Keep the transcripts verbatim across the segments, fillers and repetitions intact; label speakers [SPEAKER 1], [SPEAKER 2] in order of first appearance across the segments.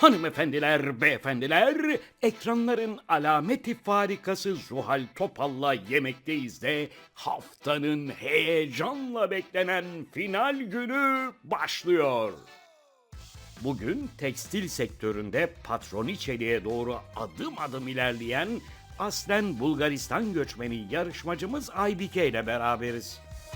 [SPEAKER 1] Hanımefendiler, beyefendiler, ekranların alameti farikası Zuhal Topal'la Yemekteyiz de haftanın heyecanla beklenen final günü başlıyor. Bugün tekstil sektöründe patroniçeliğe doğru adım adım ilerleyen aslen Bulgaristan göçmeni yarışmacımız Aybike ile beraberiz.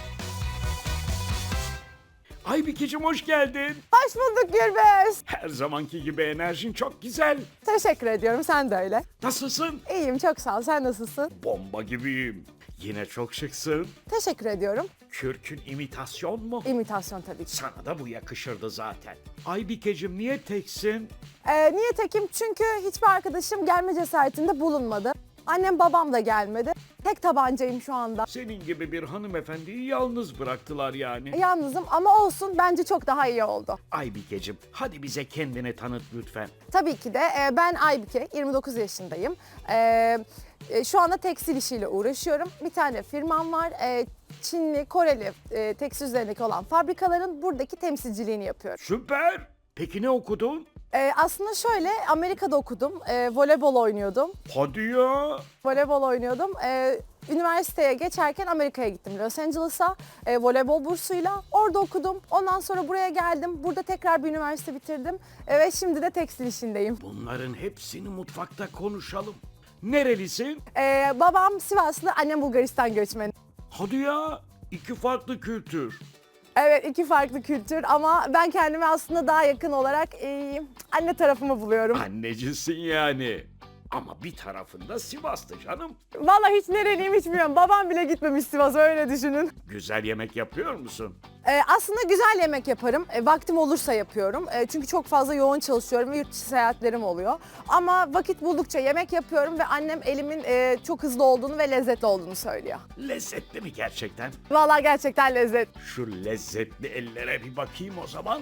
[SPEAKER 1] Aybikeciğim hoş geldin.
[SPEAKER 2] Hoş bulduk Gürbüz.
[SPEAKER 1] Her zamanki gibi enerjin çok güzel.
[SPEAKER 2] Teşekkür ediyorum, sen de öyle.
[SPEAKER 1] Nasılsın?
[SPEAKER 2] İyiyim, çok sağ ol. Sen nasılsın?
[SPEAKER 1] Bomba gibiyim. Yine çok şıksın.
[SPEAKER 2] Teşekkür ediyorum.
[SPEAKER 1] Kürkün imitasyon mu?
[SPEAKER 2] İmitasyon tabii ki.
[SPEAKER 1] Sana da bu yakışırdı zaten. Aybikeciğim niye teksin?
[SPEAKER 2] Ee, niye tekim? Çünkü hiçbir arkadaşım gelme cesaretinde bulunmadı. Annem babam da gelmedi. Tek tabancayım şu anda.
[SPEAKER 1] Senin gibi bir hanımefendiyi yalnız bıraktılar yani.
[SPEAKER 2] Yalnızım ama olsun, bence çok daha iyi oldu.
[SPEAKER 1] Aybikeciğim hadi bize kendini tanıt lütfen.
[SPEAKER 2] Tabii ki de e, ben Aybike, yirmi dokuz yaşındayım. E, e, şu anda tekstil işiyle uğraşıyorum. Bir tane firmam var. E, Çinli, Koreli e, tekstil üzerindeki olan fabrikaların buradaki temsilciliğini yapıyorum.
[SPEAKER 1] Süper. Peki ne okudun?
[SPEAKER 2] Ee, aslında şöyle, Amerika'da okudum, ee, voleybol oynuyordum.
[SPEAKER 1] Hadi ya.
[SPEAKER 2] Voleybol oynuyordum. Ee, üniversiteye geçerken Amerika'ya gittim, Los Angeles'a e, voleybol bursuyla. Orada okudum. Ondan sonra buraya geldim. Burada tekrar bir üniversite bitirdim e, ve şimdi de tekstil işindeyim.
[SPEAKER 1] Bunların hepsini mutfakta konuşalım. Nerelisin?
[SPEAKER 2] Ee, babam Sivaslı, annem Bulgaristan göçmeni.
[SPEAKER 1] Hadi ya. İki farklı kültür.
[SPEAKER 2] Evet, iki farklı kültür ama ben kendimi aslında daha yakın olarak e, anne tarafımı buluyorum.
[SPEAKER 1] Annecisin yani. Ama bir tarafında Sivas'tı canım.
[SPEAKER 2] Vallahi hiç nereliyim hiç bilmiyorum. Babam bile gitmemiş Sivas'a, öyle düşünün.
[SPEAKER 1] Güzel yemek yapıyor musun?
[SPEAKER 2] Ee, aslında güzel yemek yaparım. E, vaktim olursa yapıyorum. E, çünkü çok fazla yoğun çalışıyorum ve yurt dışı seyahatlerim oluyor. Ama vakit buldukça yemek yapıyorum ve annem elimin e, çok hızlı olduğunu ve lezzetli olduğunu söylüyor.
[SPEAKER 1] Lezzetli mi gerçekten?
[SPEAKER 2] Vallahi gerçekten lezzet.
[SPEAKER 1] Şu lezzetli ellere bir bakayım o zaman.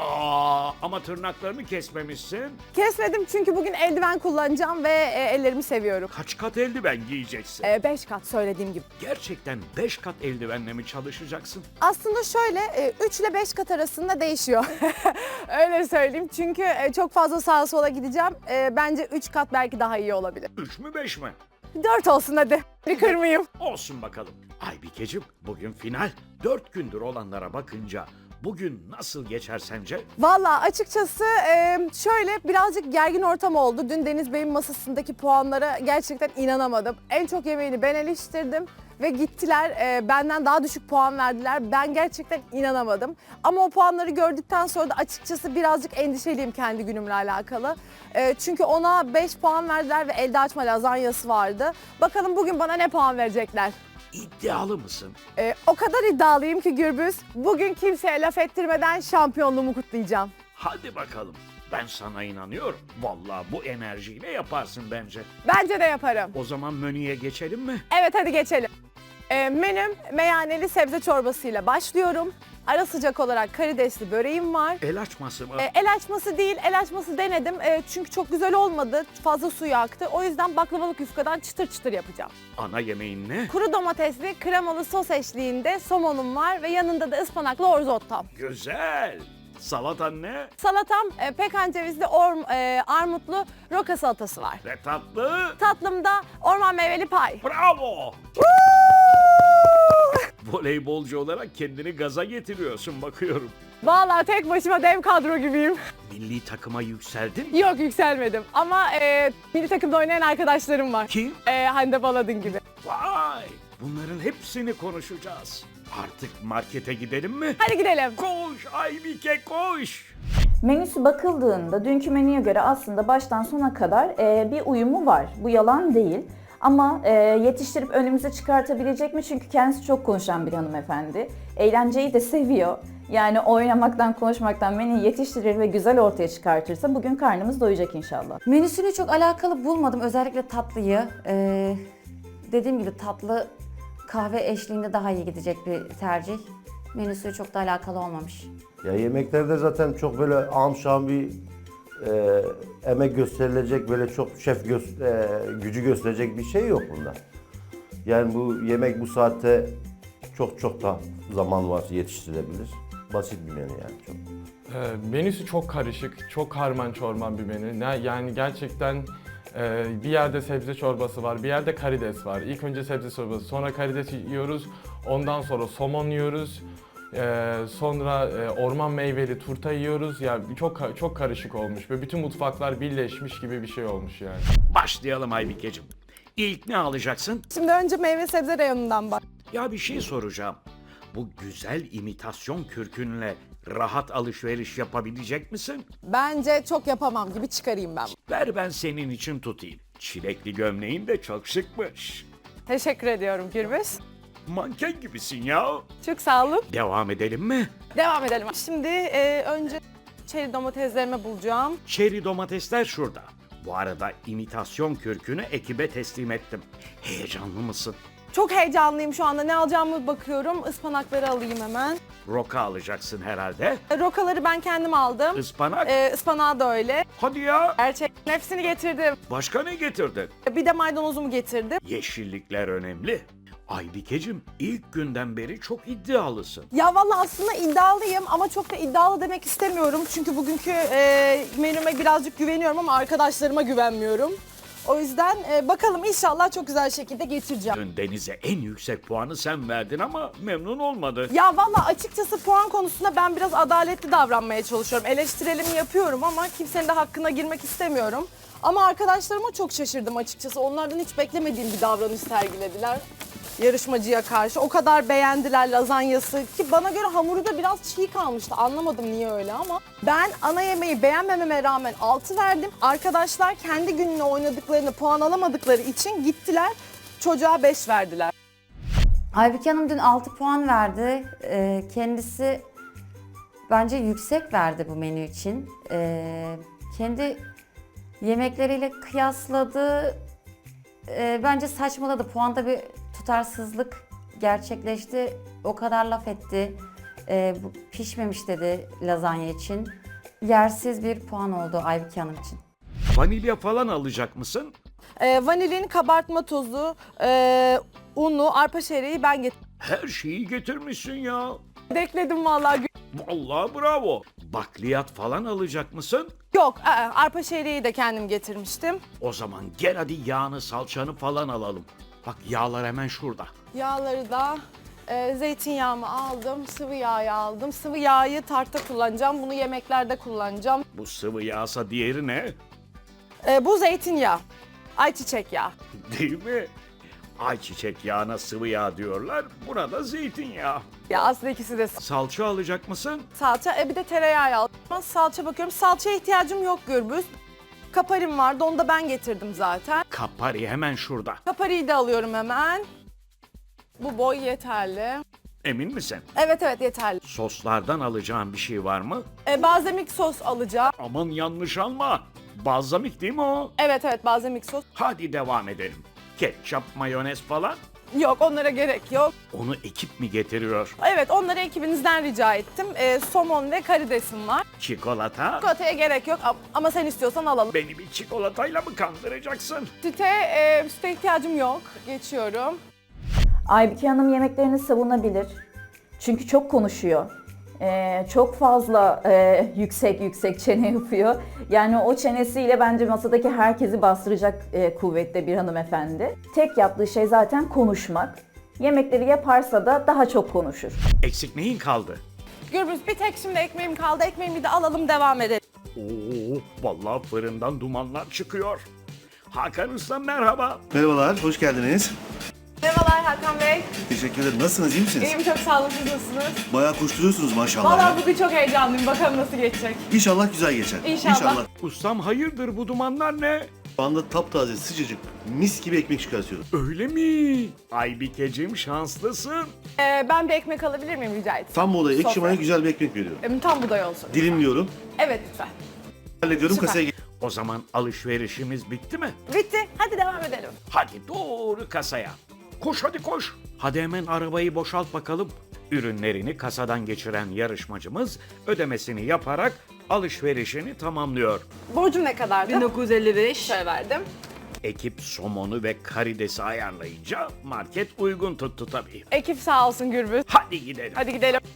[SPEAKER 1] Aa, ama tırnaklarını kesmemişsin.
[SPEAKER 2] Kesmedim çünkü bugün eldiven kullanacağım ve e, ellerimi seviyorum.
[SPEAKER 1] Kaç kat eldiven giyeceksin?
[SPEAKER 2] E, beş kat söylediğim gibi.
[SPEAKER 1] Gerçekten beş kat eldivenle mi çalışacaksın?
[SPEAKER 2] Aslında şöyle e, üç ile beş kat arasında değişiyor. Öyle söyleyeyim. Çünkü e, çok fazla sağa sola gideceğim. E, bence üç kat belki daha iyi olabilir.
[SPEAKER 1] Üç mü beş mi?
[SPEAKER 2] dört olsun hadi. Bir kırmayayım.
[SPEAKER 1] Olsun bakalım. Aybikeciğim bugün final. Dört gündür olanlara bakınca bugün nasıl geçer sence?
[SPEAKER 2] Vallahi açıkçası e, şöyle birazcık gergin ortam oldu. Dün Deniz Bey'in masasındaki puanlara gerçekten inanamadım. En çok yemeğini ben eleştirdim ve gittiler e, benden daha düşük puan verdiler. Ben gerçekten inanamadım. Ama o puanları gördükten sonra da açıkçası birazcık endişeliyim kendi günümle alakalı. E, çünkü ona beş puan verdiler ve elde açma lazanyası vardı. Bakalım bugün bana ne puan verecekler?
[SPEAKER 1] İddialı mısın?
[SPEAKER 2] Ee, o kadar iddialıyım ki Gürbüz, bugün kimseye laf ettirmeden şampiyonluğumu kutlayacağım.
[SPEAKER 1] Hadi bakalım. Ben sana inanıyorum. Vallahi bu enerjiyle yaparsın bence.
[SPEAKER 2] Bence de yaparım.
[SPEAKER 1] O zaman menüye geçelim mi?
[SPEAKER 2] Evet, hadi geçelim. Ee, menüm meyaneli sebze çorbasıyla başlıyorum. Ara sıcak olarak karidesli böreğim var.
[SPEAKER 1] El açması mı?
[SPEAKER 2] Ee, el açması değil, el açması denedim ee, çünkü çok güzel olmadı, fazla suyu aktı. O yüzden baklavalık yufkadan çıtır çıtır yapacağım.
[SPEAKER 1] Ana yemeğin ne?
[SPEAKER 2] Kuru domatesli kremalı sos eşliğinde somonum var ve yanında da ıspanaklı orzottam.
[SPEAKER 1] Güzel. Salatan ne?
[SPEAKER 2] Salatam e, pekan cevizli orm, e, armutlu roka salatası var.
[SPEAKER 1] Ve tatlı?
[SPEAKER 2] Tatlımda orman meyveli pay.
[SPEAKER 1] Bravo! Voleybolcu olarak kendini gaza getiriyorsun bakıyorum.
[SPEAKER 2] Vallahi tek başıma dev kadro gibiyim.
[SPEAKER 1] Milli takıma yükseldin mi?
[SPEAKER 2] Yok, yükselmedim ama e, milli takımda oynayan arkadaşlarım var.
[SPEAKER 1] Kim?
[SPEAKER 2] E, Hande Baladın gibi.
[SPEAKER 1] Vay! Bunların hepsini konuşacağız. Artık markete gidelim mi?
[SPEAKER 2] Hadi gidelim.
[SPEAKER 1] Koş Aybike koş!
[SPEAKER 3] Menüsü bakıldığında dünkü menüye göre aslında baştan sona kadar e, bir uyumu var. Bu yalan değil. Ama e, yetiştirip önümüze çıkartabilecek mi? Çünkü kendisi çok konuşan bir hanımefendi. Eğlenceyi de seviyor. Yani oynamaktan, konuşmaktan menüyü yetiştirir ve güzel ortaya çıkartırsa bugün karnımız doyacak inşallah.
[SPEAKER 4] Menüsünü çok alakalı bulmadım. Özellikle tatlıyı. Ee, dediğim gibi tatlı kahve eşliğinde daha iyi gidecek bir tercih. Menüsü çok da alakalı olmamış.
[SPEAKER 5] Ya yemeklerde zaten çok böyle ağam şahım bir e, emek gösterilecek, böyle çok şef gö- e, gücü gösterecek bir şey yok bunda. Yani bu yemek bu saatte çok çok da zaman var, yetiştirebilir. basit bir menü yani çok.
[SPEAKER 6] Ee, menüsü çok karışık, çok karman çorman bir menü. Ne- Yani gerçekten e, bir yerde sebze çorbası var, bir yerde karides var. İlk önce sebze çorbası, sonra karides yiyoruz, ondan sonra somon yiyoruz. Ee, sonra e, orman meyveli turta yiyoruz. Ya çok ka- çok karışık olmuş ve bütün mutfaklar birleşmiş gibi bir şey olmuş yani.
[SPEAKER 1] Başlayalım Aybikeciğim. İlk ne alacaksın?
[SPEAKER 2] Şimdi önce meyve sebze reyonundan bak.
[SPEAKER 1] Ya bir şey soracağım. Bu güzel imitasyon kürkünle rahat alışveriş yapabilecek misin?
[SPEAKER 2] Bence çok yapamam gibi çıkarayım ben.
[SPEAKER 1] Ver ben senin için tutayım. Çilekli gömleğin de çok şıkmış.
[SPEAKER 2] Teşekkür ediyorum Gürbüz.
[SPEAKER 1] Manken gibisin ya.
[SPEAKER 2] Çok sağ olun.
[SPEAKER 1] Devam edelim mi?
[SPEAKER 2] Devam edelim. Şimdi e, önce çeri domateslerimi bulacağım.
[SPEAKER 1] Çeri domatesler şurada. Bu arada imitasyon kürkünü ekibe teslim ettim. Heyecanlı mısın?
[SPEAKER 2] Çok heyecanlıyım şu anda. Ne alacağımı bakıyorum. Ispanakları alayım hemen.
[SPEAKER 1] Roka alacaksın herhalde.
[SPEAKER 2] E, Rokaları ben kendim aldım.
[SPEAKER 1] Ispanak.
[SPEAKER 2] E, ıspanağı da öyle.
[SPEAKER 1] Hadi ya.
[SPEAKER 2] Gerçekten hepsini getirdim.
[SPEAKER 1] Başka ne getirdin?
[SPEAKER 2] Bir de maydanozumu getirdim.
[SPEAKER 1] Yeşillikler önemli. Aybikeciğim ilk günden beri çok iddialısın.
[SPEAKER 2] Ya vallahi aslında iddialıyım ama çok da iddialı demek istemiyorum. Çünkü bugünkü e, menüme birazcık güveniyorum ama arkadaşlarıma güvenmiyorum. O yüzden e, bakalım inşallah çok güzel şekilde getireceğim.
[SPEAKER 1] Dün Deniz'e en yüksek puanı sen verdin ama memnun olmadı.
[SPEAKER 2] Ya vallahi açıkçası puan konusunda ben biraz adaletli davranmaya çalışıyorum. Eleştirelimi yapıyorum ama kimsenin de hakkına girmek istemiyorum. Ama arkadaşlarıma çok şaşırdım açıkçası. Onlardan hiç beklemediğim bir davranış sergilediler. Yarışmacıya karşı. O kadar beğendiler lazanyası ki bana göre hamuru da biraz çiğ kalmıştı. Anlamadım niye öyle ama. Ben ana yemeği beğenmememe rağmen altı verdim. Arkadaşlar kendi gününe oynadıklarını puan alamadıkları için gittiler çocuğa beş verdiler.
[SPEAKER 4] Aybüke Hanım dün altı puan verdi. Ee, kendisi bence yüksek verdi bu menü için. Ee, kendi yemekleriyle kıyasladı. Ee, bence saçmaladı. Puanda bir tutarsızlık gerçekleşti. O kadar laf etti. Ee, bu pişmemiş dedi lazanya için. Yersiz bir puan oldu Aybüke Hanım için.
[SPEAKER 1] Vanilya falan alacak mısın?
[SPEAKER 2] Ee, vanilin, kabartma tozu, e, unu, arpa şereği ben getirdim.
[SPEAKER 1] Her şeyi getirmişsin ya.
[SPEAKER 2] Bekledim vallahi.
[SPEAKER 1] Vallahi bravo. Bakliyat falan alacak mısın?
[SPEAKER 2] Yok, e, arpa şereği de kendim getirmiştim.
[SPEAKER 1] O zaman gel hadi yağını, salçanı falan alalım. Bak yağlar hemen şurada.
[SPEAKER 2] Yağları da e, zeytinyağımı aldım, sıvı yağı aldım. Sıvı yağı tartta kullanacağım, bunu yemeklerde kullanacağım.
[SPEAKER 1] Bu sıvı yağsa diğeri ne?
[SPEAKER 2] E, bu zeytinyağı, ayçiçek yağı.
[SPEAKER 1] Değil mi? Ayçiçek yağına sıvı yağ diyorlar. Buna da zeytinyağı.
[SPEAKER 2] Ya aslında ikisi de
[SPEAKER 1] Salça alacak mısın?
[SPEAKER 2] salça, e, bir de tereyağı aldım. Ama salça bakıyorum, salçaya ihtiyacım yok Gürbüz. Kaparim vardı, onu da ben getirdim zaten.
[SPEAKER 1] Kapari hemen şurada.
[SPEAKER 2] Kapariyi de alıyorum hemen. Bu boy yeterli.
[SPEAKER 1] Emin misin?
[SPEAKER 2] Evet evet yeterli.
[SPEAKER 1] Soslardan alacağın bir şey var mı?
[SPEAKER 2] E, balzamik sos alacağım.
[SPEAKER 1] Aman yanlış alma. Balzamik değil mi o?
[SPEAKER 2] Evet evet balzamik sos.
[SPEAKER 1] Hadi devam edelim. Ketçap, mayonez falan.
[SPEAKER 2] Yok onlara gerek yok.
[SPEAKER 1] Onu ekip mi getiriyor?
[SPEAKER 2] Evet onları ekibinizden rica ettim. E, somon ve karidesim var.
[SPEAKER 1] Çikolata?
[SPEAKER 2] Çikolataya gerek yok am- ama sen istiyorsan alalım.
[SPEAKER 1] Beni bir çikolatayla mı kandıracaksın?
[SPEAKER 2] Süte, e, süte ihtiyacım yok. Geçiyorum.
[SPEAKER 3] Aybüke Hanım yemeklerini savunabilir. Çünkü çok konuşuyor. Ee, çok fazla e, yüksek yüksek çene yapıyor. Yani o çenesiyle bence masadaki herkesi bastıracak e, kuvvette bir hanımefendi. Tek yaptığı şey zaten konuşmak. Yemekleri yaparsa da daha çok konuşur.
[SPEAKER 1] Eksik neyin kaldı?
[SPEAKER 2] Gürbüz bir tek şimdi ekmeğim kaldı. Ekmeğimi de alalım devam edelim.
[SPEAKER 1] Oo, vallahi fırından dumanlar çıkıyor. Hakan Usta merhaba.
[SPEAKER 7] Merhabalar, hoş geldiniz.
[SPEAKER 2] Merhabalar Hakan Bey.
[SPEAKER 7] Teşekkür ederim. Nasılsınız, iyi misiniz?
[SPEAKER 2] İyiyim çok sağ olun. Siz nasılsınız?
[SPEAKER 7] Bayağı koşturuyorsunuz maşallah.
[SPEAKER 2] Vallahi
[SPEAKER 7] ya.
[SPEAKER 2] bugün çok heyecanlıyım. Bakalım nasıl geçecek.
[SPEAKER 7] İnşallah güzel geçer.
[SPEAKER 2] İnşallah.
[SPEAKER 1] Ustam hayırdır bu dumanlar ne?
[SPEAKER 7] Şu anda taptaze, sıcacık, mis gibi ekmek çıkartıyorum.
[SPEAKER 1] Öyle mi? Aybikeciğim şanslısın.
[SPEAKER 2] Ee, ben bir ekmek alabilir miyim rica etsem?
[SPEAKER 7] Tam bu olayı, ekşi
[SPEAKER 2] Sofra.
[SPEAKER 7] maya güzel bir ekmek veriyorum.
[SPEAKER 2] Em, Tam buğday olsun.
[SPEAKER 7] Dilimliyorum,
[SPEAKER 2] Evet lütfen.
[SPEAKER 7] hallediyorum,
[SPEAKER 2] Süper.
[SPEAKER 7] kasaya
[SPEAKER 1] O zaman alışverişimiz bitti mi?
[SPEAKER 2] Bitti. Hadi devam edelim.
[SPEAKER 1] Hadi doğru kasaya. Koş hadi koş. Hadi hemen arabayı boşalt bakalım. Ürünlerini kasadan geçiren yarışmacımız ödemesini yaparak alışverişini tamamlıyor.
[SPEAKER 2] Borcum ne kadardı?
[SPEAKER 8] bin dokuz yüz elli beş.
[SPEAKER 2] Şöyle verdim.
[SPEAKER 1] Ekip somonu ve karidesi ayarlayınca market uygun tuttu tabii.
[SPEAKER 2] Ekip sağ olsun Gürbüz.
[SPEAKER 1] Hadi gidelim.
[SPEAKER 2] Hadi gidelim.